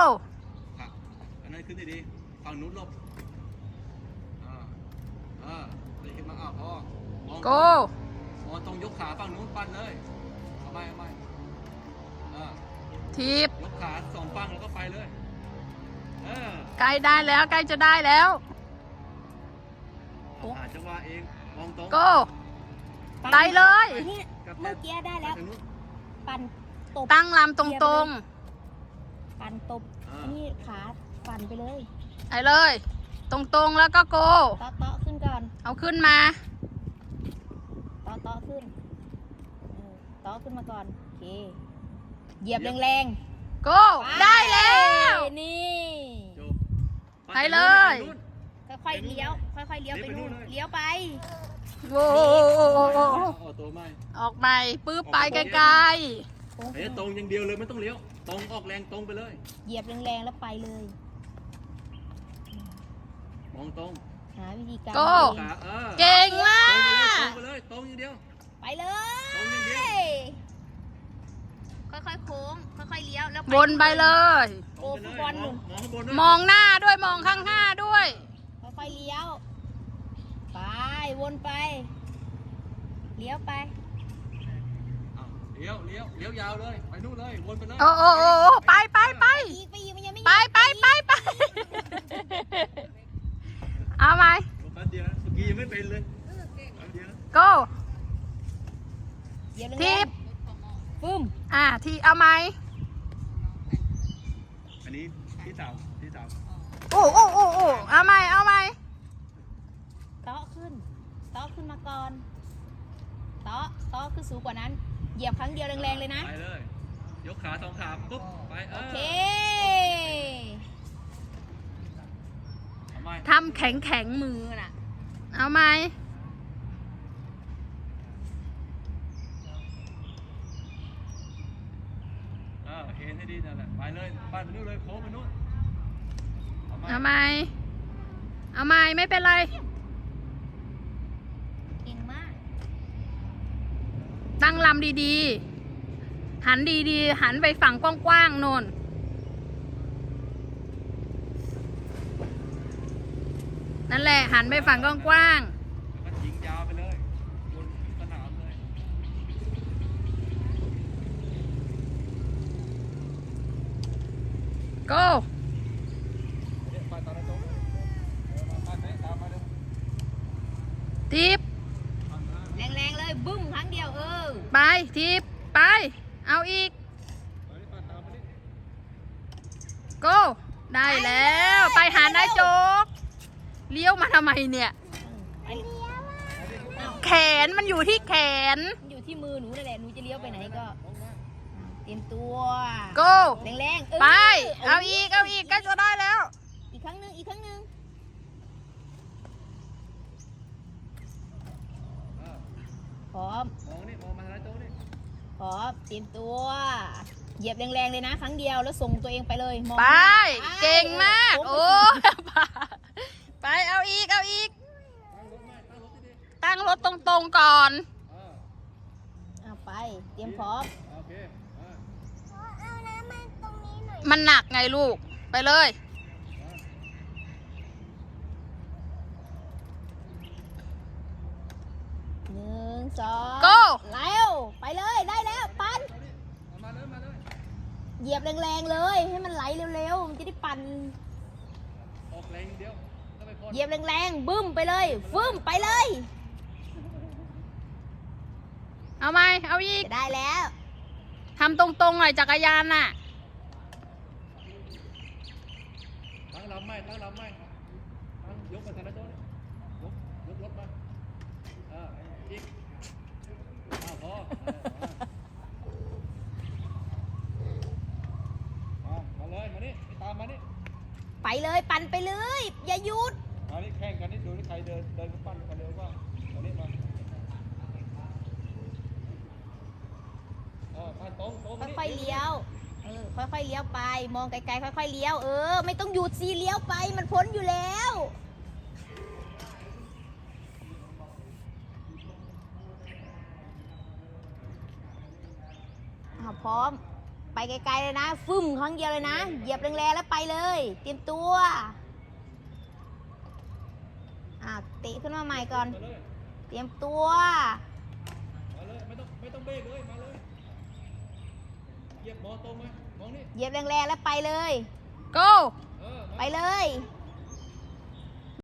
ค่ะอันนั้นขึ้นดีๆฝั่งนู้นหลบตีขึ้นมาพอมอง go มองตรงยกขาฝั่งนู้นปั่นเลยเอาไปทีบยกขาสองฝั่งแล้วก็ไปเลยใกล้ได้แล้วใกล้จะได้แล้วหาจังหวะเองมองตรง go ไปเลยนี่เมื่อกี้ได้แล้วปั่นตบตั้งลำตรงปั่นตบนี่ขาปั่นไปเลยๆไปเลย ตรงๆแล้วก็ go เตาะขึ้นก่อนเอาขึ้นมาเตาะขึ้นเตาะขึ้นมาก่อนโอเคเหยียบแรง go ๆได้แล้วนี่ไปเลยค่อยๆเลี้ยวค่อยๆเลี้ยวไปนู่นเลี้ยวไปโว้ตัวไม่ออกไปปื้บไปไกลตรงอย่างเดียวเลยไม่ต้องเลี้ยวตรงออกแรงตรงไปเลยเหยียบแรงๆแล้วไปเลยมองตรงหาวิธีการๆ go เองเก่งมาตรงกไปเลยตรงอย่างเดียวไปเลตรงอย่างเดียวยค่อยๆโค้งค่อยๆเลี้ยวแล้ววนไปเลยโอ้ฟุตบอลหนุนมองข้างบนด้วยมองหน้าด้วยมองข้างหน้าด้วยค่อยๆเลี้ยวไปวนไปเลี้ยวไปเลี้ยวยาวเลยไปนู่นเลยวนไปเลยโอ้ไปอีกมันยังไม่ไปเอาไหมแป๊บเดียวเมื่อกี้ยังไม่เป็นเลยแป๊บเดียว go เหยียบทีแรงบๆฟึ่มทีเอาไหมอันนี้ที่สาวโอ้เอาไหมเตาะขึ้นมาก่อนเตาะขึ้นสูงกว่านั้นเหยียบครั้งเดียวแรงๆเลยนะไปเลยยกขาสองขาปุ๊บไปโอเคทำแข็งมือน่ะเอาไหมเอ็นให้ดีนั่นแหละไปเลยปั้นไปนู่นเลยโค้งไปนู่นเอาไหมไม่เป็นไรเก่งมากตั้งลำดีๆหันดีๆหันไปฝั่งกว้างๆโน่นนั่นแหละหันไปฝั่งกว้างๆแล้วก็ยิงยาวไปเลยบนสนามเลย go ไปตอนนั้นตรงไปตามมาเลยทิปแรงๆเลยบึ้มครั้งเดียวไปทิปไปเอาอีก go ได้แล้วไปหานายโจ๊กเลี้ยวมาทำไมเนี่ยแขนมันอยู่ที่แขนอยู่ที่มือหนูนั่นแหละหนูจะเลี้ยวไปไหนก็เตรียมตัว go แรงๆไปเอาอีกก็จะได้แล้วอีกครั้งหนึ่งพร้อมมองนี่มองมาแล้วโจ้นี่พร้อมเตรียมตัวเหยียบแรงๆเลยนะครั้งเดียวแล้วส่งตัวเองไปเลยมองไปเก่งมากโอ้โอ้ไปเอาอีกตั้งรถตรงๆก่อนเอาไปเตรียมพร้อมโอเคมันหนักไงลูกไปเลย 1 2 go แล้วไปเลยได้แล้วปั่นมาเลยเหยียบแรงๆเลยให้มันไหลเร็วๆมันจะได้ปั่นออกแรงเดียวถ้าไปพอเหยียบแรงๆบึ้มไปเลยฟึ่มไปเลยเอาไหมเอาอีกจะได้แล้วทำตรงๆหน่อยจักรยานน่ะตั้งลำไม่ตั้งยกมาทางนั้นโจ้นี่ยกรถมาอีกพอมาเลยมานี่ตามมานี่ไปเลยปั่นไปเลย อย่าหยุดมานี่แข่งกันนี่ดูนี่ใครเดินกันปั้นกันเร็วบ้างมานี่มาปั้นตรงค่อยๆเลี้ยวค่อยๆเลี้ยวไปมองไกลๆค่อยๆเลี้ยวไม่ต้องหยุดสิเลี้ยวไปมันพ้นอยู่แล้วพร้อมไปไกลๆเลยนะฟึ่มครั้งเดียวเลยนะเหยียบแรงๆแล้วไปเลย เตรียมตัวเตะขึ้นมาใหม่ก่อนมาเลยเตรียมตัวมาเลยไม่ต้องเบรกเลยมาเลยเหยียบมองตรงไหมมองนี่เหยียบแรงๆแล้วไปเลย go มาไปเลย